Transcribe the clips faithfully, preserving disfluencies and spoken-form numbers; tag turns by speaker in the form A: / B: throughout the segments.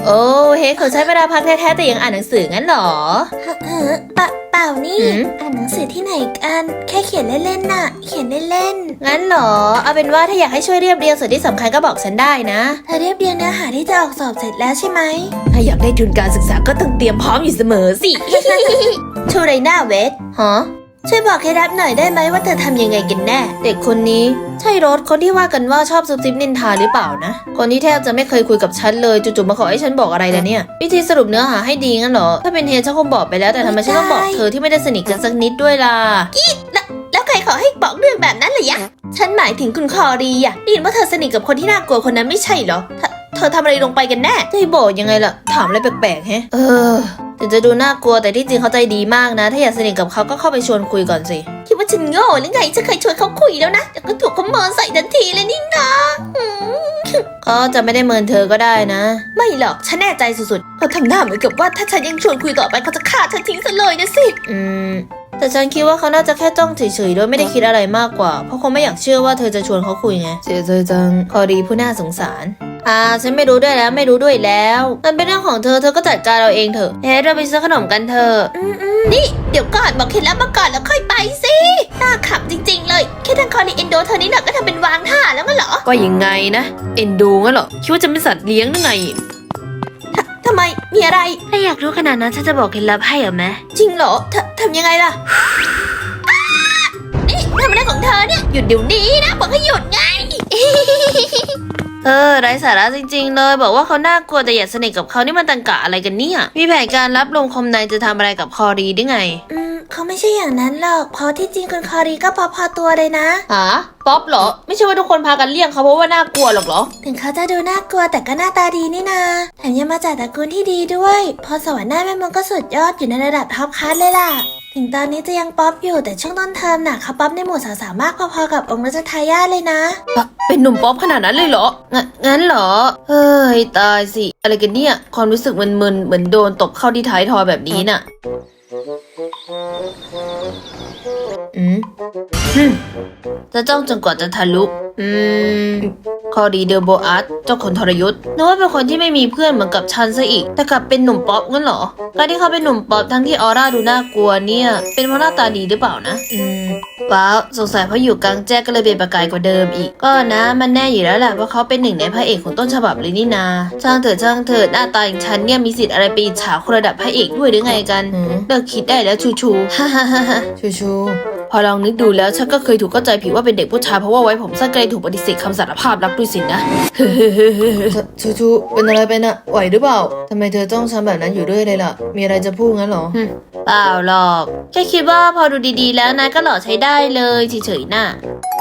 A: โอ้เฮ้เขาใช้เวลาพักแท้ๆแต่ยังอ่านหนังสืองั้นหรอ
B: เออเปล่าเปล่านี่อ่านหนังสือที่ไหนกันแค่เขียนเล่นๆน่ะเขียนเล่น
A: ๆงั้นหรอเอาเป็นว่าถ้าอยากให้ช่วยเรียบเรียงส่วนที่สำคัญก็บอกฉันได้นะ
B: เธอเรียบเรียงเนื้อหาที่จะออกสอบเสร็จแล้วใช่ไหม
A: ถ้าอยากได้ทุนการศึกษาก็ต้องเตรียมพร้อมอยู่เสมอสิ
B: ชูไรน่าเวท
A: ฮะ
B: ช่วยบอกเคล็ดลับหน่อยได้ไหมว่าเธอทำยังไงกันแน่
A: เด็กคนนี้ใช่รถคนที่ว่ากันว่าชอบซุบซิบนินทาหรือเปล่านะคนที่แทบจะไม่เคยคุยกับฉันเลยจู่ๆมาขอให้ฉันบอกอะไรล่ะเนี่ยวิธีสรุปเนื้อหาให้ดีงั้นเหรอถ้าเป็นเฮฉันคงบอกไปแล้วแต่ทำไมฉันต้องบอกเธอที่ไม่ได้สนิทกันสักนิดด้วยล่ะ
B: อีแล้วแล้วใครขอให้บอกเรื่องแบบนั้นเลยยะฉันหมายถึงคุณคอรีอะได้ยินว่าเธอสนิทกับคนที่น่ากลัวคนนั้นไม่ใช่เหรอเธอทำอะไรลงไปกันแน่
A: จะให้บอกยังไงล่ะถามอะไรแปลกๆแฮะเออถึงจะดูน่ากลัวแต่ที่จริงเขาใจดีมากนะถ้าอยากสนิทกับเขาก็เข้าไปชวนคุยก่อนสิ
B: คิดว่าฉันโง่หรือไงฉันเคยชวนเขาคุยแล้วนะแต่ก็ถูกเขาเมินใส่ทันทีเลยนี่นะ
A: ก็จะไม่ได้เมินเธอก็ได้นะ
B: ไม่หรอกฉันแน่ใจสุดๆเขาทำหน้าเหมือนกับว่าถ้าฉันยังชวนคุยต่อไปเขาจะฆ่าฉันทิ้งซะเลยนะสิ
A: อืมแต่ฉันคิดว่าเขาน่าจะแค่จ้องเฉยๆโดยไม่ได้คิดอะไรมากกว่าเพราะเขาไม่อยากเชื่อว่าเธอจะชวนเขาคุยไงเสียใจจังคอดีผู้น่าสงสารอ่าฉันไม่รู้ด้วยแล้วไม่รู้ด้วยแล้วมันเป็นเรื่องของเธอเธอก็จัดการเราเองเถอะเฮ้เราไปซื้อขนมกันเถอะ
B: อืมอืมนี่เดี๋ยวก่อนบอกเคล็ดลับมาก่อนแล้วค่อยไปสิน่าขำจริงๆเลยแค่ทางคอรีเอนโดเธอนี่หน่อยก็ทำเป็นวางท่าแล้วงั้นเหรอ
A: ก็ยังไงนะเอ็นดูงั้นเหรอคิดว่าจะเป็นสัตว์เลี้ยงหรือไง
B: ทำไมมีอะไร
A: ถ้าอยากรู้ขนาดนั้นฉันจะบอกเคล็ดลับให้เหรอแม่
B: จริงเหรอทำยังไงล่ะนี่ทำอะไรของเธอเนี่ยหยุดเดี๋ยวนี้นะบอกให้หยุดไง
A: เออไร้สาระจริงๆเลยบอกว่าเขาน่ากลัวแต่อย่าสนิทกับเขานี่มันตังกะอะไรกันเนี่ยมีแผนการรับลมคมในจะทำอะไรกับคอรีได้ไง
B: อืมเขาไม่ใช่อย่างนั้นหรอกเพราะที่จริงคุณคอรีก็พอพอตัวเลยนะ
A: ฮะป๊อปเหรอไม่ใช่ว่าทุกคนพากันเลี่ยงเขาเพราะว่าน่ากลัวหรอกเหรอ
B: ถึงเขาจะดูน่ากลัวแต่ก็หน้าตาดีนี่นาแถมยังมาจากตระกูลที่ดีด้วยพอสวรรค์หน้าแม่มดก็สุดยอดอยู่ในระดับท็อปคลาสเลยล่ะถึงตอนนี้จะยังป๊อปอยู่แต่ช่วงต้นเทอมน่ะเขาป๊อปในหมู่สาวๆมากพอๆกับองค์รัชทายาทเลยนะ
A: เป็นหนุ่มป๊อปขนาดนั้นเลยเหรองั้นงั้นเหรอเฮ้ยตายสิอะไรกันเนี่ยความรู้สึกมึนๆเหมือนโดนตบเข้าที่ท้ายทอยแบบนี้น่ะอืมจะจ้องจนกว่าจะทะลุอืมคอรีเดอโบอาร์ตเจ้าคนทรยศนึกว่าเป็นคนที่ไม่มีเพื่อนเหมือนกับฉันซะอีกแต่กลับเป็นหนุ่มป๊อปงั้นเหรอการที่เขาเป็นหนุ่มป๊อปทั้งที่ออร่าดูน่ากลัวเนี่ยเป็นเพราะหน้าตาดีหรือเปล่านะอืมว้าวสงสัยเพราะอยู่กลางแจ้งก็เลยเป็นประกายกว่าเดิมอีกก็นะมันแน่อยู่แล้วแหละเพราะเขาเป็นหนึ่งในพระเอกของต้นฉบับเลยนี่นาช่างเถิดช่างเถิดหน้าตาอย่างฉันเนี่ยมีสิทธิ์อะไรไปอิจฉาคนระดับพระเอกด้วยหรือไงกันเลิกคิดได้แล้วชูชูฮ่าฮ่าฮ่าฮ่าชูชูพอลองนึกดูแล้วฉันก็เคยถูกเข้าใจผิดว่าเป็นเด็กผู้ชายเพราะว่าไว้ผมสั้นก็เลยถูกปฏิเสธคำสารภาพรักด้วยสินะชูชูเป็นอะไรไปน่ะไหวหรือเปล่าทำไมเธอต้องทำแบบนั้นอยู่ด้วยเลยล่ะมีอะไรจะพูดงั้นหรอเปล่าหรอกแค่คิดว่าพอดูดีๆแล้วนายก็หล่อใช้ได้เลยเฉยๆน่ะ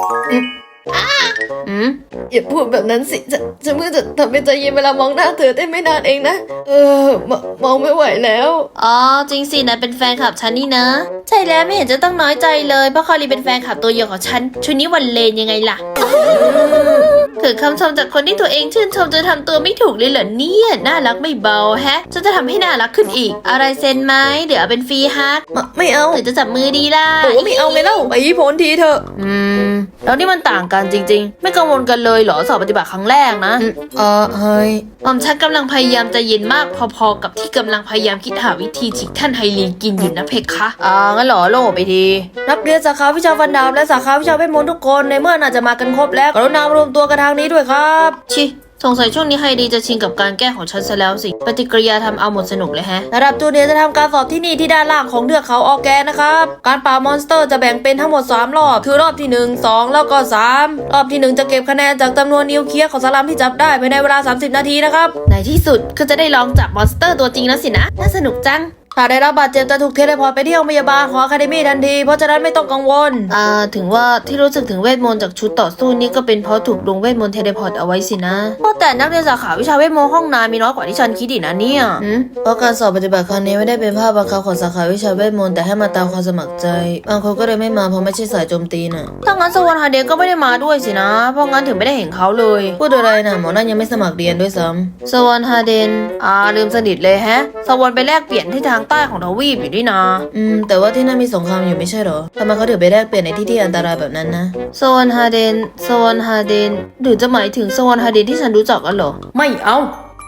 A: อืมอย่าพูดแบบนั้นสิฉันฉันเพิ่งจะทำเป็นใจเย็นเวลามองหน้าเธอได้ไม่นานเองนะเออมมองไม่ไหวแล้วอ๋อจริงสินายเป็นแฟนคลับฉันนี่นะใช่แล้วไม่เห็นจะต้องน้อยใจเลยเพราะคอรีเป็นแฟนคลับตัวยงของฉันชุดนี้วันเลนยังไงล่ะคือคำชมจากคนที่ตัวเองชื่นชมจะทำตัวไม่ถูกเลยเหรอเนี่ยน่ารักไม่เบาแฮะฉันจะทำให้น่ารักขึ้นอีกอะไรเซ็นไหมเดี๋ยวเอาเป็นฟรีฮักไม่เอาหรือจะจับมือดีล่ะโอ้ไม่เอาไงเล่าไปพ้นทีเถอะอืมแล้วนี่มันต่างกันจริงๆไม่กังวลกันเลยเหรอสอบปฏิบัติครั้งแรกนะเออเฮ้ยออมฉันกำลังพยายามใจเย็นมากพอๆกับที่กำลังพยายามคิดหาวิธีฉีกท่านไฮลีกินอยู่นะเพคะอ่างั้นเหรอโล่ไปทีนักเรียนสาขาวิชาฟันดาบและสาขาวิชาเวทมนต์ทุกคนในเมื่อน่าจะมากันครบแล้วกรุณามารวมตัวกันทางนี้ด้วยครับชิสงสัยช่วงนี้ไฮดีจะชินกับการแก้ของฉันซะแล้วสิปฏิกิริยาทำเอาหมดสนุกเลยแฮะระดับจูเนียร์จะทำการสอบที่นี่ที่ด้านล่างของเทือกเขาออร์แกนนะครับการปราบมอนสเตอร์จะแบ่งเป็นทั้งหมดสามรอบคือรอบที่หนึ่ง สองแล้วก็สามรอบที่หนึ่งจะเก็บคะแนนจากจำนวนนิวเคลียร์ของสลัมที่จับได้ภายในเวลาสามสิบนาทีนะครับในที่สุดก็จะได้ลองจับมอนสเตอร์ตัวจริงแล้วสินะน่าสนุกจังถ้าได้รับบาดเจ็บจะถูกเทเลพอร์ตไปที่โรงพยาบาลของอะคาเดมี่ทันทีเพราะฉะนั้นไม่ต้องกังวลอ่าถึงว่าที่รู้สึกถึงเวทมนต์จากชุดต่อสู้นี่ก็เป็นเพราะถูกลงเวทมนต์เทเลพอร์ตเอาไว้สินะเพราะแต่นักเรียนสาขาวิชาเวทมนต์ห้องนายมีน้อยกว่าที่ฉันคิดอีกนะเนี่ยเพราะการสอบปฏิบัติครั้งนี้ไม่ได้เป็นภาคบังคับของสาขาวิชาเวทมนต์แต่ให้มาตามความสมัครใจบางคนก็เลยไม่มาเพราะไม่ใช่สายโจมตีน่ะถ้างั้นสวรรค์ฮาเดนก็ไม่ได้มาด้วยสินะเพราะงั้นถึงไม่ได้เห็นเขาเลยพูดอะไรนะหมอนั่นยังไม่สมัครเรียนด้วยซ้ำสวรรค์ฮาเดนอ่าลืมสนิทเลยแฮะสวรรค์ไปแลกเปลี่ยนที่ทางใต้ของทวีปด้วยนะอืมแต่ว่าที่นั่นมีสงครามอยู่ไม่ใช่เหรอทำไมเขาถึงไปแลกเปลี่ยนในที่ที่อันตรายแบบนั้นนะโซนฮาเดนโซนฮาเดนหรือจะหมายถึงโซนฮาเดนที่ฉันรู้จักกันเหรอไม่เอา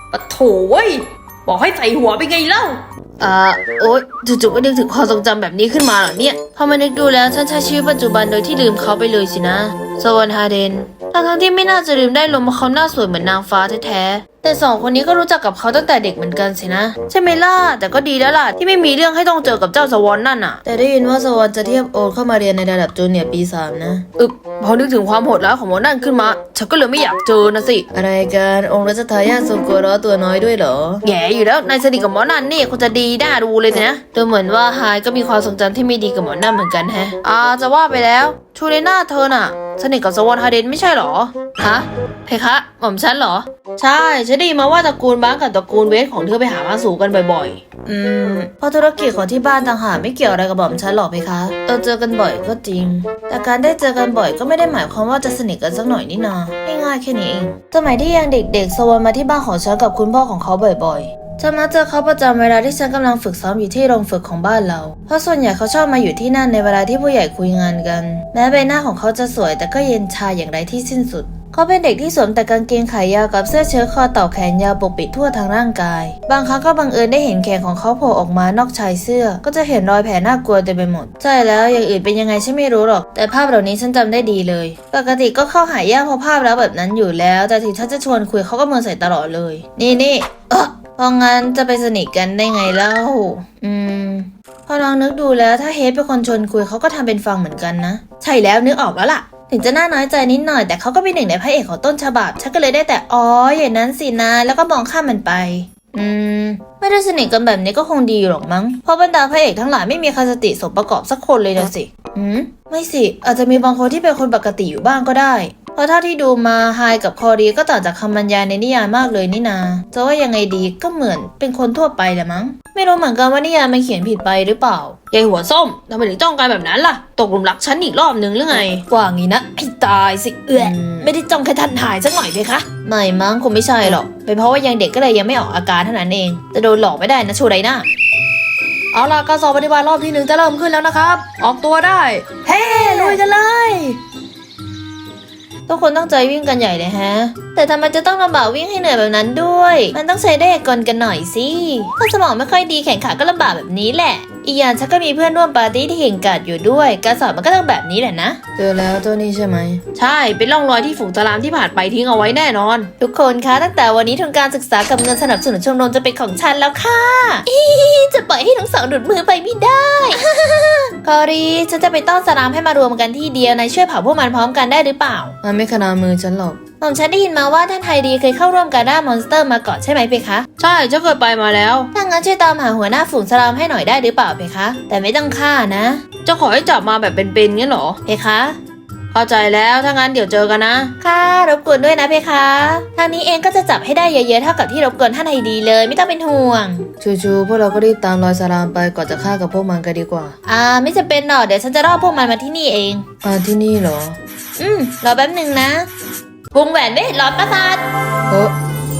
A: ปะโถเว้ยบอกให้ใส่หัวไปไงเล่าอ่าโอ๊ยจู่ๆก็นึกถึงความทรงจำแบบนี้ขึ้นมาเหรอเนี่ยพอมานึกดูแล้วฉันใช้ชีวิตปัจจุบันโดยที่ลืมเขาไปเลยสินะสวรรค์ฮาเดนทั้งๆที่ไม่น่าจะลืมได้ลงเพราะเขาหน้าสวยเหมือนนางฟ้าแท้ๆแต่สองคนนี้ก็รู้จักกับเขาตั้งแต่เด็กเหมือนกันสินะใช่ไหมล่ะแต่ก็ดีแล้วล่ะที่ไม่มีเรื่องให้ต้องเจอกับเจ้าสวรรค์นั่นน่ะแต่ได้ยินว่าสวรรค์จะเทียบโอ๊ตเข้ามาเรียนในระดับจูเนียร์ปีสามนะอึบพอนึกถึงความโหดร้ายของหมอนั่นขึ้นมาฉันก็เลยไม่อยากเจอนะสิอะไรกันองค์รัชทายาททรงกัวร้อตัวน้อยด้วยเหรอแย่อยู่แล้วนายสนิทกับหมอนั่นนี่คงจะดีน่าดูเลยนะดูเหมือนว่าไฮายก็มีความทรงจำที่ไม่ดีกับหมอนั่นเหมือนกันแฮะอ่าจะว่าไปแล้วชูเลน่าเธอน่ะสนิทกับสวรรค์ฮาเดนไม่ใช่เหรอฮะเพคะหม่อมฉันเหรอใช่ฉันได้ยินมาว่าตระกูลบ้างกับตระกูลเวทของเธอไปหามาสู่กันบ่อยๆอืมเพราะธุรกิจของที่บ้านต่างหากไม่เกี่ยวอะไรกับหม่อมฉันหรอกเพคะเราเจอกันบ่อยก็จริงแต่การได้เจอกันบ่อยก็ไม่ได้หมายความว่าจะสนิทกันสักหน่อยนี่นาง่ายๆแค่นี้เองสมัยที่ยังเด็กๆสวรรค์มาที่บ้านของฉันกับคุณพ่อของเขาบ่อยๆฉันมักเจอเขาประจำเวลาที่ฉันกำลังฝึกซ้อมอยู่ที่โรงฝึกของบ้านเราเพราะส่วนใหญ่เขาชอบมาอยู่ที่นั่นในเวลาที่ผู้ใหญ่คุยงานกันแม้ใบหน้าของเขาจะสวยแต่ก็เย็นชาอย่างไรที่สิ้นสุดเขาเป็นเด็กที่สวมแต่กางเกงขายาวกับเสื้อเชิ้ตคอเต่าแขนยาวปกปิดทั่วทั้งร่างกายบางครั้งก็บังเอิญได้เห็นแขนของเขาโผล่ออกมานอกชายเสื้อก็จะเห็นรอยแผลน่ากลัวเต็มไปหมดใช่แล้วอย่างอื่นเป็นยังไงฉันไม่รู้หรอกแต่ภาพเหล่านี้ฉันจำได้ดีเลยปกติก็เข้าหายากเพราะภาพแล้วแบบนั้นอยู่แล้วแต่ถึงฉันจะชวนคุยเขาก็เมินใส่ตลอดเลยนี่นี่เออเพราะงั้นจะไปสนิทกันได้ไงเล่าอืมพอลองนึกดูแล้วถ้าเฮดเป็นคนชวนคุยเขาก็ทำเป็นฟังเหมือนกันนะใช่แล้วนึกออกแล้วล่ะถึงจะน่าน้อยใจนิดหน่อยแต่เขาก็เป็นหนึ่งในพระเอกของต้นฉบับฉันก็เลยได้แต่อ๋ออย่างนั้นสินะแล้วก็มองข้ามมันไปอืมไม่ได้สนิทกันแบบนี้ก็คงดีหรอกมั้งเพราะบรรดาพระเอกทั้งหลายไม่มีใครสติสมประกอบสักคนเลยนะสิอืมไม่สิอาจจะมีบางคนที่เป็นคนปกติอยู่บ้างก็ได้เพราะเท่าที่ดูมาไฮกับคอรีก็ต่างจากคำบรรยายในนิยายมากเลยนี่นาจะว่ายังไงดีก็เหมือนเป็นคนทั่วไปแหละมั้งไม่รู้เหมือนกันว่านิยายมันเขียนผิดไปหรือเปล่ายายหัวส้มทำไมถึงจ้องกันแบบนั้นล่ะตกหลุมรักฉันอีกรอบนึงหรือไงกว่างี้นะไอ้ตายสิเอื้อไม่ได้จ้องแค่ทันหายสักหน่อยเพคะไม่มั้งคงไม่ใช่หรอกเป็นเพราะว่ายังเด็กก็เลยยังไม่ออกอาการเท่านั้นเองจะโดนหลอกไม่ได้นะชูไรน่าเอาล่ะการสอบปฏิบัติรอบที่หนึ่งจะเริ่มขึ้นแล้วนะครับออกตัวได้เฮ้ลุยกันเลยทุกคนตั้งใจวิ่งกันใหญ่เลยฮะแต่ทำไมจะต้องลำบากวิ่งให้เหนื่อยแบบนั้นด้วยมันต้องใช้ได้กลกันหน่อยสิถ้าสมองไม่ค่อยดีแขนขาก็ลำบากแบบนี้แหละอีกอย่างฉันก็มีเพื่อนร่วมปาร์ตี้ที่เก่งกาจอยู่ด้วยการสอบมันก็ต้องแบบนี้แหละนะเจอแล้วตัวนี้ใช่ไหมใช่เป็นร่องรอยที่ฝูงสลามที่ผ่านไปทิ้งเอาไว้แน่นอนทุกคนคะตั้งแต่วันนี้ทุนการศึกษากับเงินสนับสนุนชมรมจะเป็นของฉันแล้วค่ะอีจะปล่อยให้ทั้งสองหลุดมือไปไม่ได้ คอรีฉันจะไปต้อนสลามให้มารวมกันที่เดียวนายช่วยเผาพวกมันพร้อมกันได้หรือเปล่ามันไม่ขนามือฉันหรอกหม่อมฉันได้ยินมาว่าท่านไฮดีเคยเข้าร่วมการด่ามอนสเตอร์มาก่อนใช่ไหมเพคะใช่ฉันเคยไปมาแล้วถ้างั้นช่วยตามหาหัวหน้าฝูงสลามให้หน่อยได้หรือเปล่าเพคะแต่ไม่ต้องฆ่านะจะขอให้จับมาแบบเป็นๆงั้นเหรอเพคะเข้าใจแล้วถ้างั้นเดี๋ยวเจอกันนะค่ะรบกวนด้วยนะเพคะทางนี้เองก็จะจับให้ได้เยอะๆเท่ากับที่รบกวนท่านไฮดีเลยไม่ต้องเป็นห่วงชูๆพวกเราก็รีบตามรอยสลามไปก่อนจะฆ่ากับพวกมันกันดีกว่าอ่าไม่จำเป็นหรอกเดี๋ยวฉันจะรอพวกมันมาที่นี่เองอ่าที่นี่เหรออืมรอแป๊บนึงนะวงแหวนเวทหลอดประสาทเออ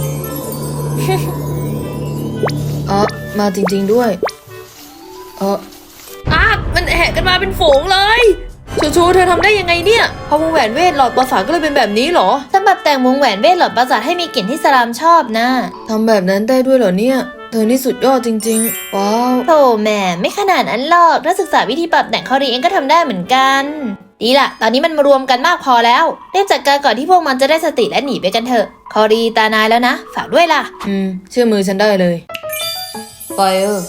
A: อ๋อมาจริงๆด้วยเอออ่ะมันแหกกันมาเป็นฝูงเลยชูชูเธอทำได้ยังไงเนี่ยพอวงแหวนเวทหลอดประสาทก็เลยเป็นแบบนี้เหรอสำหรับแต่งวงแหวนเวทหลอดประสาทให้มีกลิ่นที่สลามชอบนะทำแบบนั้นได้ด้วยเหรอเนี่ยเธอนี่สุดยอดจริงๆว้าวโธ่แม่ไม่ขนาดนั้นหรอกถ้าศึกษาวิธีปรับแต่งคอรีเองก็ทำได้เหมือนกันดีละตอนนี้มันมารวมกันมากพอแล้วเรียบจัดการก่อนที่พวกมันจะได้สติและหนีไปกันเถอะคอรีตานายแล้วนะฝากด้วยล่ะอืมเชื่อมือฉันได้เลยไฟเออ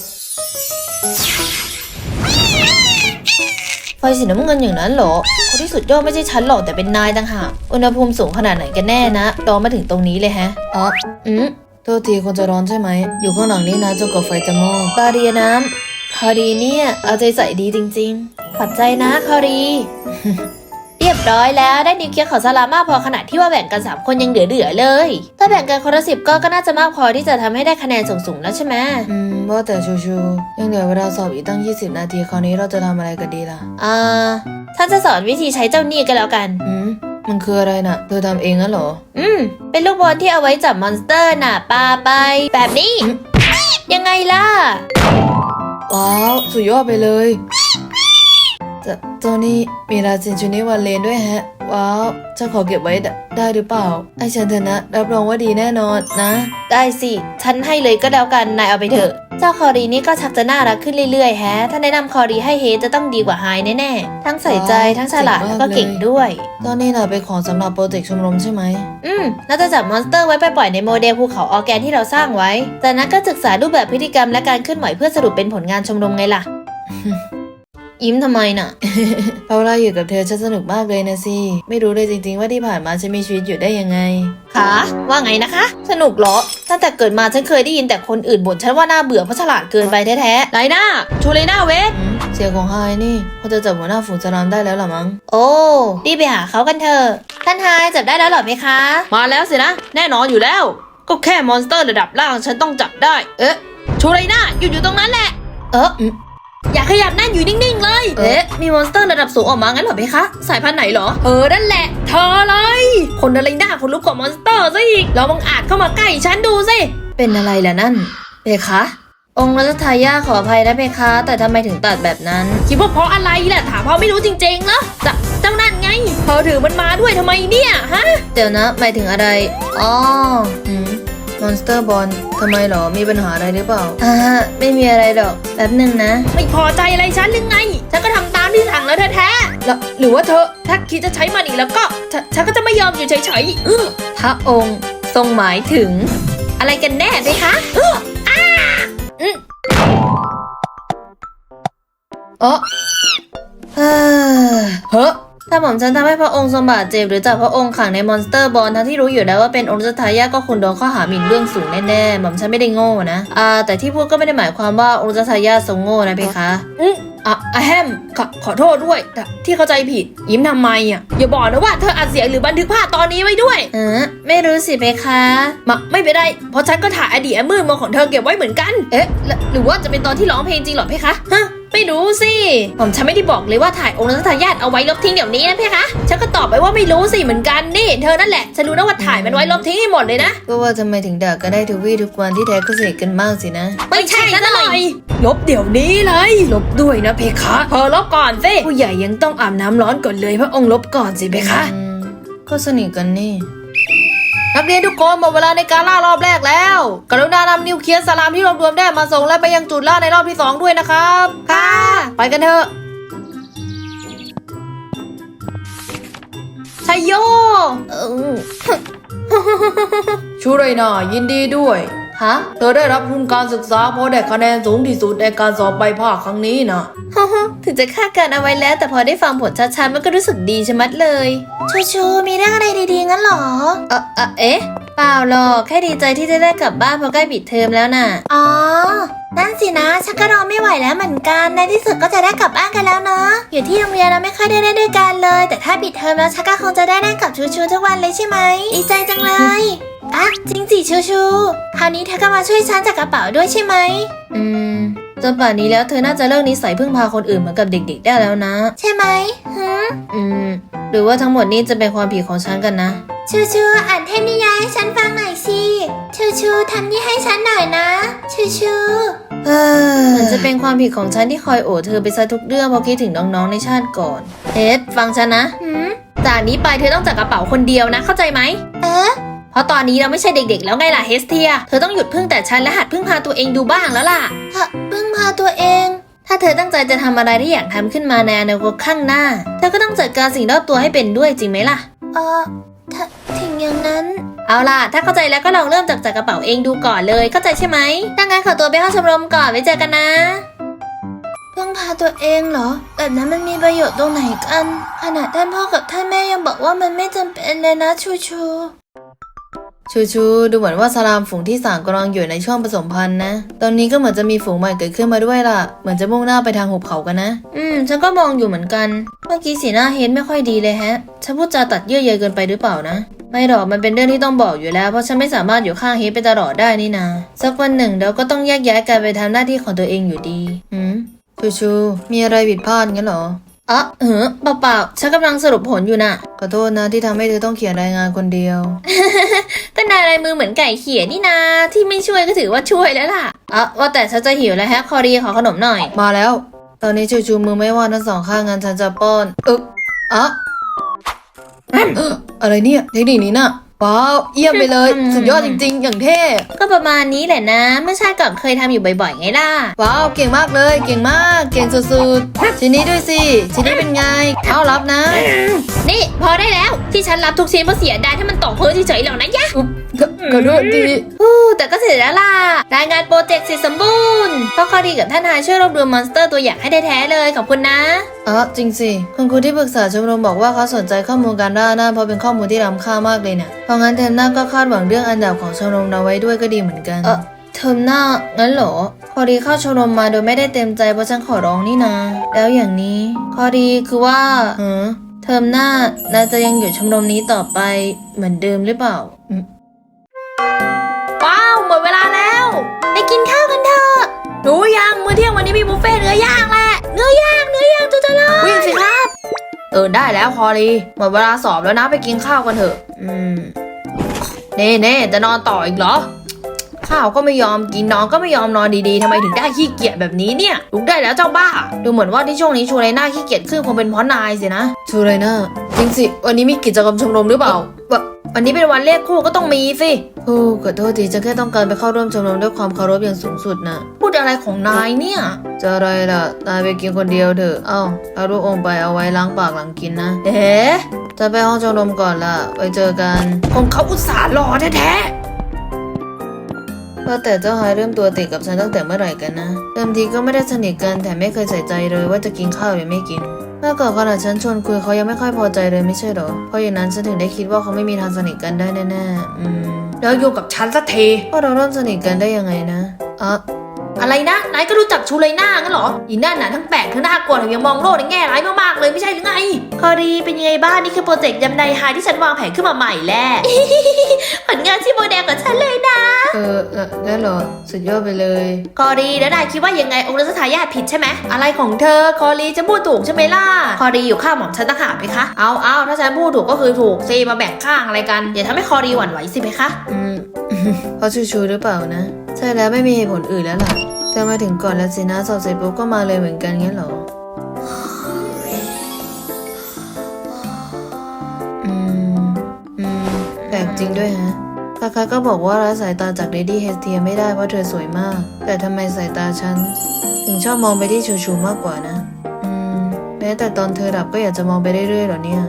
A: ไฟสีน้ำเงินอย่างนั้นเหรอคนที่สุดยอดไม่ใช่ฉันหรอกแต่เป็นนายต่างหากอุณหภูมิสูงขนาดไหนกันแน่นะร้อนมาถึงตรงนี้เลยฮะอ๋ออืมโทษทีคนจะร้อนใช่ไหมอยู่ข้างหลังนี่นะจนกว่าไฟจะมอดบาเรียน้ำคอรีเนี่ยเอาใจใส่ดีจริงๆขอบใจนะคอรี เรียบร้อยแล้วได้นิวเคลียร์ของสลามมากพอขนาดที่ว่าแบ่งกันสามคนยังเหลือๆเลยถ้าแบ่งกันคนละสิบก็ก็น่าจะมากพอที่จะทำให้ได้คะแนนสูงๆแล้วใช่ไหมอืมว่าแต่ชูชูยังเหลือเวลาสอบอีกตั้งยี่สิบนาทีคราวนี้เราจะทำอะไรกันดีล่ะอ่าท่านจะสอนวิธีใช้เจ้าหนี้กันแล้วกันอืมมันคืออะไรน่ะเธอทำเองงั้นเหรออืมเป็นลูกบอลที่เอาไว้จับมอนสเตอร์น่ะปาไปแบบนี้ยังไงล่ะว้าวสุดยอดไปเลยจะเจ้านี่มีราซินชูนิวันเลนด้วยแฮะว้าวจะขอเก็บไว้ได้หรือเปล่าไอ้ฉันเถอะนะรับรองว่าดีแน่นอนนะ
B: ได้สิฉันให้เลยก็แล้วกันนายเอาไปเถอะเจ้าคอรีนี่ก็ชักจะน่ารักขึ้นเรื่อยๆแฮะถ้าแนะนำคอรีให้เฮจะต้องดีกว่าไฮแน่ๆทั้งใส่ใจทั้งฉลาดแล้วก็เก่งด้วย
A: ตอนนี้น่ะเป็นของสำหรับโปรเจกต์ชมรมใช่ไหม
B: อืมเราจะจับมอนสเตอร์ไว้ไปปล่อยในโมเดลภูเขาออร์แกนที่เราสร้างไว้จากนั้นก็ศึกษารูปแบบพฤติกรรมและการเคลื่อนไหวเพื่อสรุปเป็นผลงานชมรมไงล่ะ ยิ้มทำไมน่ะ
A: เพราะเราอยู่กับเธอฉันสนุกมากเลยนะสิไม่รู้เลยจริงๆว่าที่ผ่านมาฉันมีชีวิตอยู่ได้ยังไง
B: คะว่าไงนะคะ สนุกเหรอตั้งแต่เกิดมาฉันเคยได้ยินแต่คนอื่นบ่นฉันว่าน่าเบื่อเพราะฉลาดเกินไปแท้ๆไลน่าชูเลน่าเวท
A: เสียงของไฮนี่พอจะจับหัวหน้าฝูงสลามได้แล้วหรอมั้ง
B: โอ้รีบไปหาเขากันเถอะท่านไฮจับได้แล้วหรอไหมคะ
C: มาแล้วสินะแน่นอนอยู่แล้วก็แค่มอนสเตอร์ระดับล่างฉันต้องจับได้เอ๊ะชูเลน่าอยู่อยู่ตรงนั้นแหละ
B: เอออย่าขยับนั่นอยู่นิ่งๆเลยเอ๊ะมีมอนสเตอร์ระดับสูงออกมางั้นเหรอเพคะสายพันธุ์ไหนเหรอ
C: เออนั่นแหละเธอเลยคนอะไรหน้าคนลุกกว่ามอนสเตอร์ซะอีกเราบังอาจเข้ามาใกล้ฉันดูสิ
B: เป็นอะไรล่ะนั่นเพคะองค์รัชทายาขออภัยนะเพคะแต่ทำไมถึงตัดแบบนั้น
C: คิดว่าเพราะอะไรล่ะถามเพราะไม่รู้จริงๆเหรอจะเจ้านั่นไงเธอถือมันมาด้วยทำไมเนี่ยฮะ
B: เดี๋ยวนะหมายถึงอะไรอ๋อ
A: อืมมอนสเตอร์บอลทำไมหรอมีปัญหาอะไรหรือเปล่า
B: อ่าไม่มีอะไรหรอกแป๊บนึงนะ
C: ไม่พอใจอะไรฉันหรือไงฉันก็ทำตามที่สั่งแล้วแท้ๆแล้วหรือว่าเธอถ้าคิดจะใช้มันอีกแล้วก็ฉันก็จะไม่ยอมอยู่เฉย
B: ๆพระองค์ทรงหมายถึงอะไรกันแน่ไหมคะเอออ้าอืม
A: เออ
B: เฮ้อเฮ้อถ้าหม่อมฉันทำให้พระองค์ทรงบาดเจ็บหรือจับพระองค์ขังในมอนสเตอร์บอลทั้งที่รู้อยู่แล้วว่าเป็นองค์รัชทายาทก็คงโดนข้อหาหมิ่นเบื้องสูงแน่ๆหม่อมฉันไม่ได้โง่นะอ่าแต่ที่พูดก็ไม่ได้หมายความว่าองค์รัชทายาททรงโง่นะเพคะ
C: อืมอ่ะอะแฮมขอขอโทษด้วยที่เข้าใจผิดยิ้มทำไมอ่ะอย่าบอกนะว่าเธออัดเสียงหรือบันทึกภาพตอนนี้ไว้ด้วย
B: เออไม่รู้สิเพคะ
C: มาไม่เป็นไรเพราะฉันก็ถ่ายอดีตมืดมาของเธอเก็บไว้เหมือนกันเอ๊ะหรือว่าจะเป็นตอนที่ร้องเพลงจริงหรอเพคะฮะไม่รู้สิผมฉันไม่ได้บอกเลยว่าถ่ายองค์รัชทายาทเอาไว้ลบทิ้งเดี๋ยวนี้นะเพคะฉันก็ตอบไปว่าไม่รู้สิเหมือนกันนี่เธอนั่นแหละฉันรู้นะว่าถ่ายมันไว้ลบทิ้งให้หมดเลยนะ
A: ก็ว่าทำไมถึงด่ากันได้ทุกวี่ทุกวันที่แท้ก็สนิทกันมากสินะ
C: ไม่ใช่ซะหน่อยลบเดี๋ยวนี้เลยลบด้วยนะเพคะเธอลบก่อนสิผู้ใหญ่ยังต้องอาบน้ำร้อนก่อนเลยพระองค์ลบก่อนสิเพคะ
A: ก็สนิทกันนี่
C: นักเรียนทุกคนหมดเวลาในการล่ารอบแรกแล้วกรุณานำนิวเคลียร์สลามที่รวบรวมได้มาส่งและไปยังจุดล่าในรอบที่สองด้วยนะครับ
B: ค่ะ
C: ไปกันเถอะชัยโยชูไรนายินดีด้วย
B: ฮะ
C: เธอได้รับทุนการศึกษาเพราะได้คะแนนสูงที่สุดในการสอบใบภาคครั้งนี้นะ
B: ถึงจะคาดการเอาไว้แล้วแต่พอได้ฟังผลชัดๆมันก็รู้สึกดีชะมัดเลยชูชูมีเรื่องอะไรดีๆงั้นหรอเออเออเอ๊ะเปล่าหรอกแค่ดีใจที่จะได้กลับบ้านเพราะใกล้ปิดเทอมแล้วน่ะอ๋อนั่นสินะฉันก็รอไม่ไหวแล้วเหมือนกันในที่สุดก็จะได้กลับบ้านกันแล้วเนาะอยู่ที่โรงเรียนเราไม่ค่อยได้เล่นด้วยกันเลยแต่ถ้าปิดเทอมแล้วฉันก็คงจะได้เล่นกับชูชูทุกวันเลยใช่ไหมดีใจจังเลยอ่ะจริงสิชูชูคราวนี้เธอก็มาช่วยฉันจากกระเป๋าด้วยใช่ไหม
A: อืมจนป่านนี้แล้วเธอน่าจะเลิกนิสัยพึ่งพาคนอื่นเหมือนกับเด็กๆได้แล้วนะ
B: ใช่ไหมฮึ
A: อืมหรือว่าทั้งหมดนี้จะเป็นความผิดของฉันกันนะ
B: ชูชูอ่านเทพนิยายให้ฉันฟังหน่อยสิชูชูทำนี่ให้ฉันหน่อยนะชูชู
A: เออมันจะเป็นความผิดของฉันที่คอยโอดเธอไปซะทุกเรื่องเพราะคิดถึงน้องๆในชาติก่อนเอ็ดฟังฉันนะ
B: หืม
C: จากนี้ไปเธอต้องจัดกระเป๋าคนเดียวนะเข้าใจไหม
B: เอ๊ะ
C: เพราะตอนนี้เราไม่ใช่เด็กๆแล้วไงล่ะเฮสเทียเธอต้องหยุดพึ่งแต่ฉันและหัดพึ่งพาตัวเองดูบ้างแล้วล่ะ
B: พึ่งพาตัวเอง
A: ถ้าเธอตั้งใจจะทำอะไรที่อยากทำขึ้นมาในอนาคตข้างหน้าเธอก็ต้องจัดการสิ่งรอบตัวให้เป็นด้วยจริงไหมล่ะ
B: เออถึงอย่างนั้น
C: เอาล่ะถ้าเข้าใจแล้วก็ลองเริ่มจากจัดกระเป๋าเองดูก่อนเลยเข้าใจใช่ไหม
B: ถ้างั้นขอตัวไปเข้าชมรมก่อนไว้เจอกันนะพึ่งพาตัวเองเหรอแบบนั้นมันมีประโยชน์ตรงไหนกันขนาดท่านพ่อกับท่านแม่ยังบอกว่ามันไม่จำเป็นเลยนะชูชู
A: ชูชูดูเหมือนว่าสลามฝูงที่สามกำลังอยู่ในช่วงผสมพันธุ์นะตอนนี้ก็เหมือนจะมีฝูงใหม่เกิดขึ้นมาด้วยล่ะเหมือนจะมุ่งหน้าไปทางหุบเขากันนะ
B: อืมฉันก็มองอยู่เหมือนกันเมื่อกี้สีหน้าเฮดไม่ค่อยดีเลยแฮะฉันพูดจาตัดเยื่อใยเกินไปหรือเปล่านะ
A: ไม่หรอกมันเป็นเรื่องที่ต้องบอกอยู่แล้วเพราะฉันไม่สามารถอยู่ข้างเฮดไปตลอดได้นี่นาสักวันหนึ่งเราก็ต้องแยกย้ายกันไปทำหน้าที่ของตัวเองอยู่ดีหืมชูชูมีอะไรผิดพลาดงั้นเหรอ
B: อ๋อเออเปล่าๆฉันกำลังสรุปผลอยู่น่ะ
A: ขอโทษนะที่ทำให้เธอต้องเขียนรายงานคนเดียว
B: ก็นายลายมือเหมือนไก่เขียนี่นาที่ไม่ช่วยก็ถือว่าช่วยแล้วล่ะอ๋อว่าแต่ฉันจะหิวแล้วฮะคอรีขอขนมหน่อย
A: มาแล้วตอนนี้ชูชูมือไม่ว่างทั้งสองข้างงั้นฉันจะป้อนอึกอะเอ่ออะไรเนี่ยเทคนิคนี้น่ะว้าวเยี่ยมไปเลยสุดยอดจริงๆ อย่างเท่
C: ก็ประมาณนี้แหละนะเมื่อชาติก่อนเคยทำอยู่บ่อยๆไงล่ะ
A: ว้าวเก่งมากเลยเก่งมากเก่งสุดๆชิ้นนี้ด้วยสิชิ้นนี้เป็นไงเอารับนะ
C: นี่พอได้แล้วที่ฉันรับทุกชิ้นเพราะเสียดายถ้ามันตกพื้นเฉยๆหรอกนะยะ
A: อุ๊บขอขอโทษที
C: อู้แต่ก็เสร็จแล้วล่ะรายงานโปรเจกต์เสร็จสมบูรณ์เพราะข้อดีกับท่านนายช่วยรวบรวมมอนสเตอร์ตัวอย่างให้ได้แท้เลยขอบคุณนะ
A: อ๋อจริงสิคุณครูที่ปรึกษาชมรมบอกว่าเขาสนใจข้อมูลการด้านหน้าเพราะเป็นข้อมูลที่ล้ำค่ามากเลยเนี่ยเพราะงั้นเทมหน้าก็คาดหวังเรื่องอันดับของชมรมเราไว้ด้วยก็ดีเหมือนกัน
C: เออเทอมหน้างั้นเหรอ
A: พอดีเข้าชมรมมาโดยไม่ได้เต็มใจเพราะฉันขอร้องนี่นะแล้วอย่างนี้ข้อดีคือว่าหือเทอมหน้านายจะยังอยู่ชมรมนี้ต่อไปเหมือนเดิมหรือเปล่าอืม
C: ว้าวหมดเวลาแล้วไปกินข้าวกันเถอะรู้ยังมื้อเที่ยงวันนี้มีบุฟเฟ่ต์เนื้อย่างแหละเนื้อย่างเนื้อย่างจุ๊จะเลย
A: วิ่งสิครับเออได้แล้วพอดีหมดเวลาสอบแล้วนะไปกินข้าวกันเถอะอืมเน่เน่จะนอนต่ออีกเหรอข้าวก็ไม่ยอมกินนอนก็ไม่ยอมนอนดีๆทำไมถึงได้ขี้เกียจแบบนี้เนี่ยลุกได้แล้วเจ้าบ้าดูเหมือนว่าที่ช่วงนี้ชูไรน่าขี้เกียจขึ้นคงเป็นเพราะนายสินะชูไรน่าจริงสิวันนี้มีกิจกรรมชมรมหรือเปล่า วันนี้เป็นวันเลขคู่ก็ต้องมีสิโอ้ขอโทษทีฉันแค่ต้องการไปเข้าร่วมชมรมด้วยความเคารพอย่างสูงสุดนะพูดอะไรของนายเนี่ยจะอะไรล่ะนายไปกินคนเดียวเถอะเอ้าเอาลูกอมไปเอาไว้ล้างปากหลังกินนะเอ๊ะจะไปห้องชมรมก่อนล่ะไปเจอกันของเขาอุตส่าห์รอแท้ๆว่าแต่เจ้าฮายเริ่มตัวติดกับฉันตั้งแต่เมื่อไหร่กันนะเดิมทีก็ไม่ได้สนิทกันแต่ไม่เคยใส่ใจเลยว่าจะกินข้าวหรือไม่กินเมื่อก่อนขณะฉันชวนคุยเขายังไม่ค่อยพอใจเลยไม่ใช่หรอเพราะอย่างนั้นฉันถึงได้คิดว่าเขาไม่มีทางสนิทกันได้แน่ๆอืมแล้วอยู่กับฉันสักทีว่าเราเริ่มสนิทกันได้ยังไงนะอ่ะ
C: อะไรนะนายก็รู้จักชูเลยหน้างั้นเหรออีนั่นน่ะทั้งแปลกทั้งน่ากลัวแถมยังมองโลกในแง่ร้ายมากๆเลยไม่ใช่หรือไงคอรีเป็นยังไงบ้างนี่คือโปรเจกต์ยำไดไฮที่ฉันวางแผนขึ้นมาใหม่แหละ ผลงานที่โมเดลกับฉันเลยนะ
A: เออนั่นเหรอสุดยอดไปเลย
C: คอรีแล้วนายคิดว่ายังไงองค์รัชทายาทผิดใช่ไหมอะไรของเธอคอรีจะพูดถูกใช่ไหมล่ะคอรีอยู่ข้างหม่อมฉันต่างหากไหมคะเอาเอาถ้าฉันพูดถูกก็คือถูกสิมาแบ่งข้างอะไรกันอย่าทำให้คอรีหวั่นไหวสิไหมคะ
A: อืม เพราะชูชูหรือเปล่านะใช่แล้วไม่มีเหตุผลอื่นแล้วล่ะจะมาถึงก่อนแล้วสินะสอบเสร็จปุ๊บก็มาเลยเหมือนกันงั้นเหรออืมอืมแปลกจริงด้วยฮะคาคาก็บอกว่าละสายตาจากเลดี้เฮสเทียไม่ได้เพราะเธอสวยมากแต่ทำไมสายตาฉันถึงชอบมองไปที่ชูชูมากกว่านะอืมแม้แต่ตอนเธอดับก็อยากจะมองไปเรื่อยๆหรอเนี่ย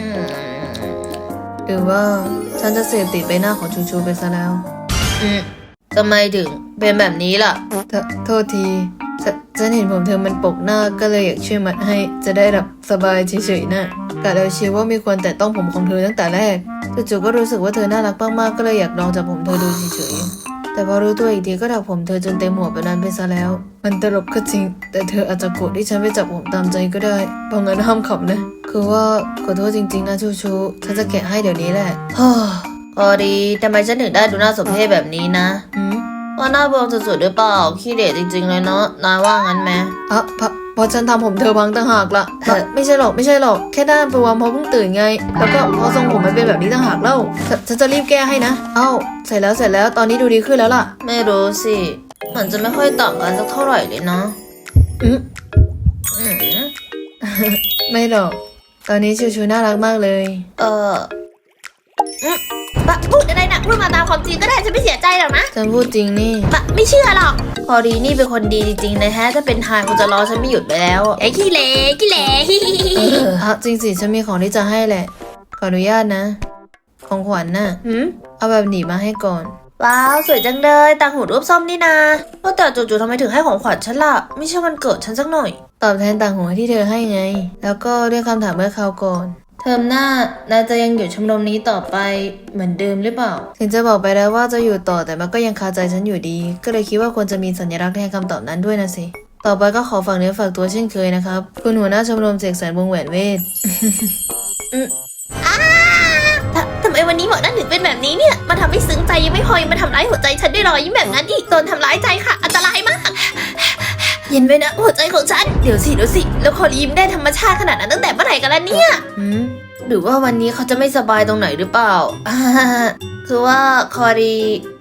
A: หรือว่าฉันจะเสพติดใบหน้าของชูชูไปซะแล้วอืมทำไมถึงเป็นแบบนี้ล่ะโทโทษทีฉฉันเห็นผมเธอมันปกหน้าก็เลยอยากช่วยมัดให้จะได้รับสบายเฉยๆนะกะแล้วเชียวว่ามีคนแต่ต้องผมของเธอตั้งแต่แรกจู่ๆก็รู้สึกว่าเธอน่ารักมากๆก็เลยอยากลองจับผมเธอดูเฉยๆแต่พอรู้ตัวอีกทีก็ถักผมเธอจนเต็มหัวแบบนั้นไปซะแล้วมันตลกก็จริงแต่เธออาจจะโกรธที่ฉันไปจับผมตามใจก็ได้เพราะงั้นห้ามขำนะคือว่าขอโทษจริงๆนะชูชูฉันจะแกะให้เดี๋ยวนี้แหละฮ่าพอดีทำไมฉันถึงได้ดูน่าสมเพชแบบนี้นะอืมว่าหน้าบวมสุดๆหรือเปล่าขี้เด็ดจริงๆเลยเนาะนายว่างั้นไหมอ่ะเพราะเพราะฉันทำผมเธอพังต่างหากละไม่ใช่หรอกไม่ใช่หรอกแค่ด้านบวมเพราะเพิ่งตื่นไงแล้วก็เพราะทรงผมมันเป็นแบบนี้ต่างหากเล่าฉันจะรีบแก้ให้นะเอ้าเสร็จแล้วเสร็จแล้วตอนนี้ดูดีขึ้นแล้วล่ะไม่รู้สิเหมือนจะไม่ค่อยต่างกันสักเท่าไหร่เลยนะอืมอืม ไม่หรอกตอนนี้ชูชูน่ารักมากเลยเออ
C: ปะพูดอะไรนะพูดมาตามความจริงก็ได้ฉันไม่เสียใจหรอกนะ
A: ฉันพูดจริงนี่
C: ปะไม่เชื่อหรอกพอดีนี่เป็นคนดีจริงๆนะฮะถ้าเป็นทายคงจะรอฉันไม่หยุดไปแล้วไอ้ขี้เละขี้เละ
A: เออฮะจริงสิฉันมีของที่จะให้แหละขออนุญาตนะของขวัญน่ะหืมเอาแบบหนีมาให้ก่อน
C: ว้าวสวยจังเลยต่างหูรูปส้มนี่นาว่าแต่จู่ๆทำไมถึงให้ของขวัญฉันล่ะไม่ใช่วันเกิดฉันสักหน่อย
A: ตอบแทนต่างหูที่เธอให้ไงแล้วก็ด้วยคำถามเมื่อคราวก่อนเทอมหน้านายจะยังอยู่ชมรมนี้ต่อไปเหมือนเดิมหรือเปล่าถึงจะบอกไปแล้วว่าจะอยู่ต่อแต่มันก็ยังคาใจฉันอยู่ดีก็เลยคิดว่าควรจะมีสัญลักษณ์แทนคำตอบนั้นด้วยนะสิต่อไปก็ขอฝากเนื้อฝากตัวเช่นเคยนะครับคุณหัวหน้าชมรมเสกสรรวงแหวนเวท
C: อืมอ้าทำไมวันนี้หมอนั่นถึงเป็นแบบนี้เนี่ยมาทำให้ซึ้งใจยังไม่พอยังมาทำร้ายหัวใจฉันด้วยรอยยิ้มแบบนั้นอีกโดนทำร้ายใจค่ะอันตรายมากเย็นไปนะหัวใจของฉันเดี๋ยวสิเดี๋ยวสิแล้วคอรียิ้มได้ธรรมชาติขนาดนั้นตั้งแต่เมื่อไหร่กันล่ะเนี่ย
A: อืมหรือว่าวันนี้เขาจะไม่สบายตรงไหนหรือเปล่า
C: คือว่าคอรี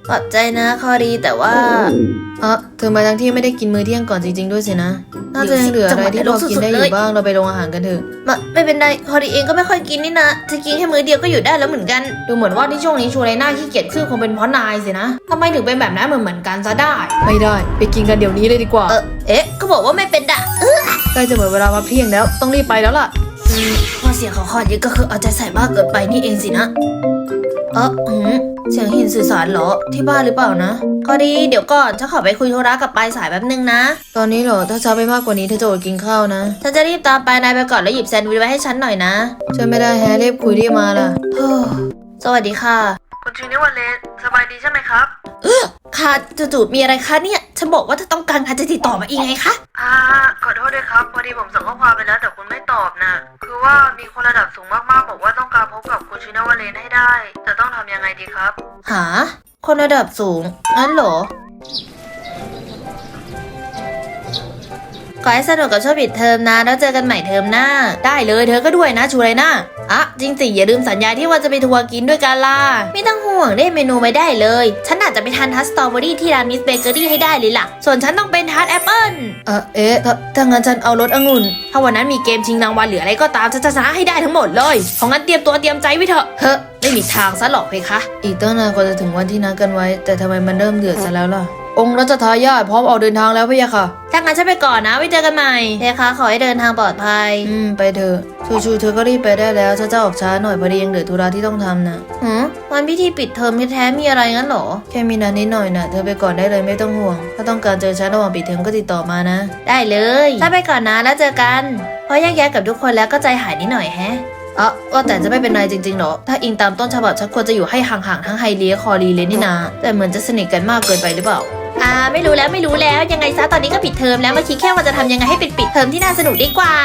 A: ขอบใจนะคอรีแต่ว่าเออเธอมาทั้งที่ไม่ได้กินมื้อเที่ยงก่อนจริงๆด้วยสินะน่าจะยังเหลืออะไรที่พอกินได้อยู่บ้างเราไปโรงอาหารกันเถอะมาไม่เป็นไรคอรีเองก็ไม่ค่อยกินนี่นะจะกินแค่มื้อเดียวก็อยู่ได้แล้วเหมือนกันดูเหมือนว่าที่ช่วงนี้ชูไรน่าขี้เกียจขึ้นคงเป็นเพราะนายสินะทำไมถึงเป็นแบบนั้นเหมือนเหมือนกันซะได้ไม่ได้ไปกินกันเดี๋ยวนี้เลยดีกว่าเออเอ๊ะก็บอกว่าไม่เป็นด่ะใกล้จะหมดเวลาพักเที่ยงแล้วต้องรีบไปแล้วล่ะอืมข้อเสียของคอรีก็คือเอาใจใส่มากเกินไปนี่เองสินะเออหืมเสียงหินสื่อสารเหรอที่บ้านหรือเปล่านะก็ดีเดี๋ยวก่อนฉันขอไปคุยธุระกับปลายสายแป๊บนึงนะตอนนี้เหรอถ้าช้าไปมากกว่านี้เธอจะอดกินข้าวนะฉันจะรีบตามไปนายไปก่อนแล้วหยิบแซนด์วิชไว้ให้ฉันหน่อยนะฉันไม่ได้แฮะรีบคุยรีบมาล่ะเฮ้อสวัสดีค่ะคุณชินิวันเลนสบายดีใช่ไหมครับเออค่ะจู่ๆมีอะไรคะเนี่ยฉันบอกว่าถ้าต้องการการจะติดต่อมาเองไงคะ
D: อ่าขอโทษด้วยครับพอดีผมส่งข้อความไปแล้วแต่คุณไม่ตอบนะคือว่ามีคนระดับสูงมากๆบอกว่าต้องการพบกับคุณชินาวาเลนให้ได้จะต้องทำยังไงดีครับ
A: หาคนระดับสูงงั้นเหรอขอให้สนุกกับช่วงปิดเทอมนะแล้วเจอกันใหม่เทอมหน้าได้เลยเธอก็ด้วยนะชูไรน่าอ่ะจริงสิอย่าลืมสัญญาที่ว่าจะไปทัวร์กินด้วยกันล่ะไม่ต้องห่วงได้เมนูไม่ได้เลยฉันอาจจะไปทานทัสสตรอเบอรี่ที่ร้านมิสเบเกอรี่ให้ได้เลยล่ะส่วนฉันต้องเป็นทัสแอปเปิ้ลเออเอ๊ะถ้างั้นฉันเอารสองุ่นถ้าวันนั้นมีเกมชิงรางวัลหรืออะไรก็ตามฉันจะชนะให้ได้ทั้งหมดเลยเพราะงั้นเตรียมตัวเตรียมใจไว้เถอะเฮ้ไม่มีทางซะหรอกเพคะอีกตั้งนานกว่าจะถึงวันที่นัดกันไว้แต่ทำไมมันเริ่มเดือดซะแล้วล่ะองค์รัชทายาทพร้อมออกเดินทางแล้วพี่ยะค่ะถ้างั้นฉันไปก่อนนะไว้เจอกันใหม่เพคะขอให้เดินทางปลอดภัยอืมไปเถอะชูชูเธอก็รีบไปได้แล้วฉันจะออกช้าหน่อยพอดียังเหลือธุระที่ต้องทำนะหืมวันพิธีปิดเทอมแท้ๆมีอะไรงั้นหรอแค่มีนัดนิดหน่อยนะเธอไปก่อนได้เลยไม่ต้องห่วงถ้าต้องการเจอฉันระหว่างปิดเทอมก็ติดต่อมานะได้เลยถ้าไปก่อนนะแล้วเจอกันพอแยกย้ายกับทุกคนแล้วก็ใจหายนิดหน่อยแฮะเออว่าแต่จะไม่เป็นไรจริงๆหรอถ้าอิงตามต้นฉบับฉันควรจะอยู่ให้ห่างๆทั้งไฮเลียคอรีเลยนี่นาแต่เหมือนจะสนิทกันมากเกินไปหรือเปล่าอ่าไม่รู้แล้วไม่รู้แล้วยังไงซะตอนนี้ก็ปิดเทอมแล้วมาคิดแค่ว่าจะทำยังไงให้เป็นปิดเทอมที่น่าสนุกดีกว่า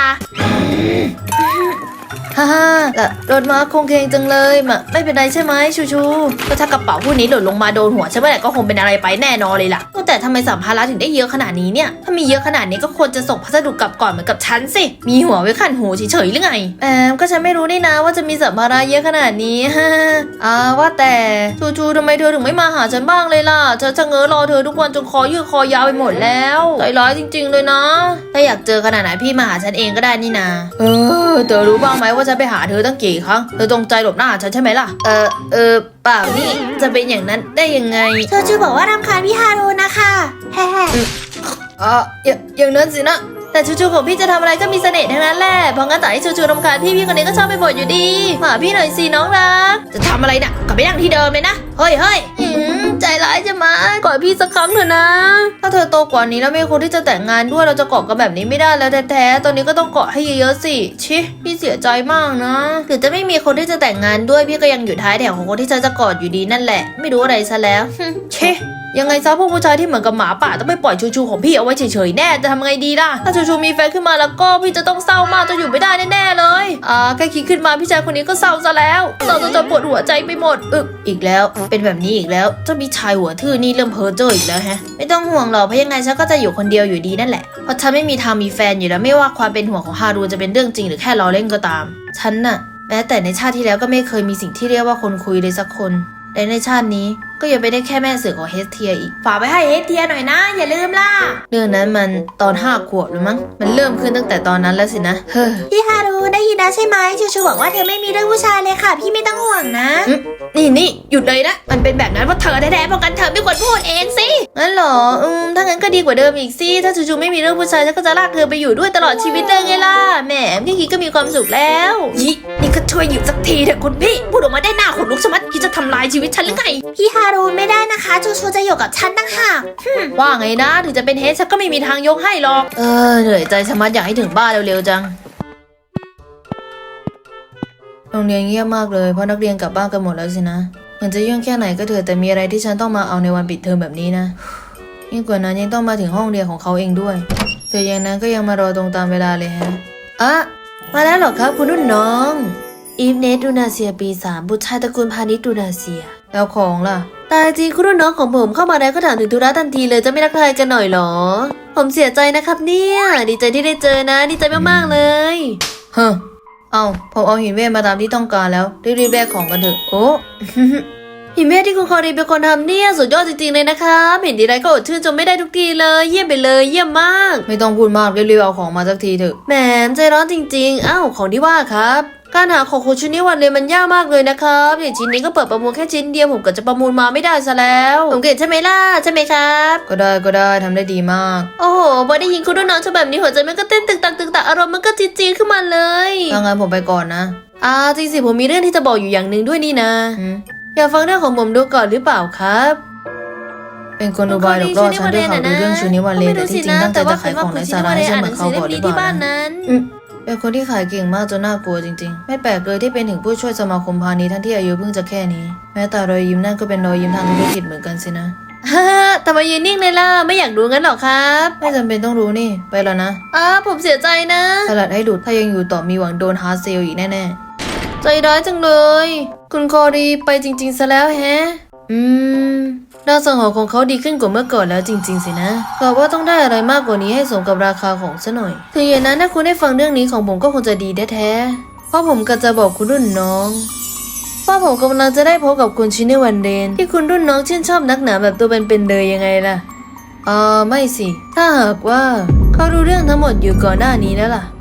A: ฮ่าฮ่าละรถม้าคงเคงจังเลยมะไม่เป็นไรใช่ไหมชูชูก็ถ้ากระเป๋าผู้นี้หล่นลงมาโดนหัวฉันเมื่อไหร่ก็คงเป็นอะไรไปแน่นอนเลยล่ะแต่ทำไมสัมภาระถึงได้เยอะขนาดนี้เนี่ยถ้ามีเยอะขนาดนี้ก็ควรจะส่งพัสดุกลับก่อนเหมือนกับฉันสิมีหัวไว้ขันหูเฉยๆหรือไงแอมก็ฉันไม่รู้นี่นะว่าจะมีสัมภาระเยอะขนาดนี้ฮ่าอ่าว่าแต่ชูชูทำไมเธอถึงไม่มาหาฉันบ้างเลยล่ะฉันจะเง้อรอเธอทุกวันจนคอยืดคอยาวไปหมดแล้วใจร้ายจริงๆเลยนะถ้าอยากเจอขนาดไหนพี่มาหาฉันเองก็ได้นี่นาเออเธอรู้บ้างไหมว่าฉันไปหาเธอตั้งกี่ครั้งเธอตรงใจหลบหน้าฉันใช่ไหมล่ะเออเออเปล่านี่จะเป็นอย่างนั้นได้ยังไง
B: เธอชื่อบอกว่ารำคาญพี่ฮารุนะคะแฮ่ๆ
A: อ๋ออย่าอย่างนั้นสินะแต่ชูชูของพี่จะทำอะไรก็มีเสน่ห์ทั้งนั้นแหละเพราะงั้นต่อให้ชูชูรำคาญพี่พี่คนนี้ก็ชอบไปบ่นอยู่ดีมาหาพี่หน่อยสิน้องรักจะทำอะไรน่ะกลับไปนั่งที่เดิมเลยนะเฮ้ยเฮ้ยใจร้ายจะมากอดพี่สักครั้งเถอะนะถ้าเธอโตกว่านี้แล้วไม่ควรที่จะแต่งงานด้วยเราจะเกาะกันแบบนี้ไม่ได้แล้วแท้ๆตอนนี้ก็ต้องเกาะให้เยอะๆสิชิพี่เสียใจมากนะถึงจะไม่มีคนที่จะแต่งงานด้วยพี่ก็ยังอยู่ท้ายแถวของคนที่ฉันจะกอดอยู่ดีนั่นแหละไม่รู้อะไรซะแล้วชิยังไงซะพวกผู้ชายที่เหมือนกับหมาป่าต้องไม่ปล่อยชูชูของพี่เอาไว้เฉยๆแน่จะทำไงดีล่ะถ้าชูชูมีแฟนขึ้นมาแล้วก็พี่จะต้องเศร้ามากจะอยู่ไม่ได้แน่ๆเลยอ่าแค่คิดขึ้นมาพี่ชายคนนี้ก็เศร้าซะแล้วเศร้าจนจะปวดหัวใจไปหมดอึกอีกแล้วเป็นแบบนี้อีกแล้วเจ้าพี่ชายหัวทื่อนี่เริ่มเพ้อเจ้ออีกแล้วแฮะไม่ต้องห่วงหรอกเพราะยังไงฉันก็จะอยู่คนเดียวอยู่ดีนั่นแหละเพราะฉันไม่มีทางมีแฟนอยู่แล้วไม่ว่าความเป็นห่วงของฮารุจะเป็นเรื่องจริงหรือแค่ล้อเล่นก็ตามฉันน่ะแม้แต่ในชาติที่แล้วก็ไม่เคยมีสิ่งที่เรียกว่าคนคุยเลยสักคนและในชาตินี้ก็ยังไม่ได้แค่แม่เสือของเฮสเทียอีกฝากไปให้เฮสเทียหน่อยนะอย่าลืมล่ะเรื่องนั้นมันตอนห้าขวบหรือมั้งมันเริ่มขึ้นตั้งแต่ตอนนั้นแล้วสินะเฮ้อ
B: พี่ฮารุได้ยินนะใช่ไหมชูชูบอกว่าเธอไม่มีเรื่องผู้ชายเลยค่ะพี่ไม่ต้องห่วงนะ
A: นี่นี่หยุดเลยนะมันเป็นแบบนั้นเพราะเธอแท้ๆเพราะกันเธอไม่ควรพูดเองสิงั้นเหรออืมถ้างั้นก็ดีกว่าเดิมอีกสิถ้าชูชูไม่มีเรื่องผู้ชายฉันก็จะลากเธอไปอยู่ด้วยตลอดชีวิตเลยไงล่ะแหมแค่คิดก็มีความสุขแล้วนี่นี่ก็ช่วยหยุดสักทีเถอะคุณพี่พูดออกมาได้หน้าขนลุกชะมัดคิดจะทำลายชีวิตฉันหรือไง
B: พี่ฮารุไม่ได้นะคะชูชูจะอยู่กับฉันตั้งหาก
A: ว่าไงนะถึงจะเป็นเฮสฉันก็ไม่มีทางยกให้หรอกเออเหนื่อยใจชะมัดอยากให้ถึงบ้านเร็วๆจังโรงเรียนเงียบมากเลยเพราะนักเรียนกลับบ้านกันหมดแล้วสินะมันจะยุ่งแค่ไหนก็เถอะแต่มีอะไรที่ฉันต้องมาเอาในวันปิดเทอมแบบนี้นะยิ่งกว่านั้นยังต้องมาถึงห้องเรียนของเขาเองด้วยแต่อย่างนั้นก็ยังมารอตรงตามเวลาเลยฮะอ่ะมาแล้วเหรอครับคุณนุ่นน้องอีฟเนสดูนาเซียปีสามบุตรชายตระกูลพาณิชย์ดูนาเซียแล้วของล่ะตายจริงคุณรุ่นน้องของผมเข้ามาแล้วก็ถามถึงธุระทันทีเลยจะไม่รักทายกันหน่อยหรอผมเสียใจนะครับเนี่ยดีใจที่ได้เจอนะดีใจมากๆเลยเฮ้อเอาผมเอาหินเวทมาตามที่ต้องการแล้วรีบๆแบกของกันเถอะโอ้หิมะที่คุณคอรีเป็นคนทำเนี่ยสุดยอดจริงๆเลยนะครับเห็นทีไรก็อดชื่นชมไม่ได้ทุกทีเลยเยี่ยมไปเลยเยี่ยมมากไม่ต้องพูดมากเรียบๆเอาของมาสักทีเถอะแหมใจร้อนจริงๆอ้าวของที่ว่าครับการหาของคุณชิ้นนี้วันเลยมันยากมากเลยนะครับอย่างชิ้นนี้ก็เปิดประมูลแค่ชิ้นเดียวผมก็จะประมูลมาไม่ได้ซะแล้วผมเก่งใช่ไหมล่ะใช่ไหมครับก็ได้ก็ได้ทำได้ดีมากโอ้โหพอได้ยินคุณรุ่นน้องแบบนี้หัวใจมันก็เต้นตึกตักตึกตักอารมณ์มันก็จี๊ดๆขึ้นมาเลยถ้างั้นผมไปก่อนนะอ่าจริงสิผมมีเรื่องที่จะบอกอยู่อย่างหนึ่งด้วยนี่นะอยากฟังเรื่องของผมดูก่อนหรือเปล่าครับ เป็นคนอุบายหลอกล่อฉันด้วยข่าวดูเรื่องชูนิวันเลนแต่ที่จริงตั้งใจจะขายของในสาระให้ฉันเหมือนเขาบอกหรือเปล่านะเป็นคนที่ขายเก่งมากจนน่ากลัวจริงๆไม่แปลกเลยที่เป็นถึงผู้ช่วยสมาคมพาณิชย์ทั้งที่อายุเพิ่งจะแค่นี้แม้แต่รอยยิ้มนั่นก็เป็นรอยยิ้มทางธุรกิจเหมือนกันสินะฮ่าทำไมยืนนิ่งเลยล่ะไม่อยากรู้งั้นหรอครับไม่จำเป็นต้องรู้นี่ไปแล้วนะอ้าผมเสียใจนะสลัดให้หลุดถ้ายังอยู่ต่อมีหวังโดนฮาร์ดเซลอีกแน่ๆใจร้ายจังเลยคุณคอรีไปจริงๆซะแล้วแฮะอืมดาวสังหรณ์ของเขาดีขึ้นกว่าเมื่อก่อนแล้วจริงๆสินะกะว่าต้องได้อะไรมากกว่านี้ให้สมกับราคาของซะหน่อยถึงอย่างนั้นถ้าคุณได้ฟังเรื่องนี้ของผมก็คงจะดีแท้ๆเพราะผมก็จะบอกคุณรุ่นน้องว่าผมกำลังจะได้พบกับคุณชินเนวันเดนที่คุณรุ่นน้องชื่นชอบนักหนาแบบตัวเป็นๆเลยยังไงล่ะอ่าไม่สิถ้าหากว่าเขารู้เรื่องทั้งหมดอยู่ก่อนหน้านี้แล้วล่ะ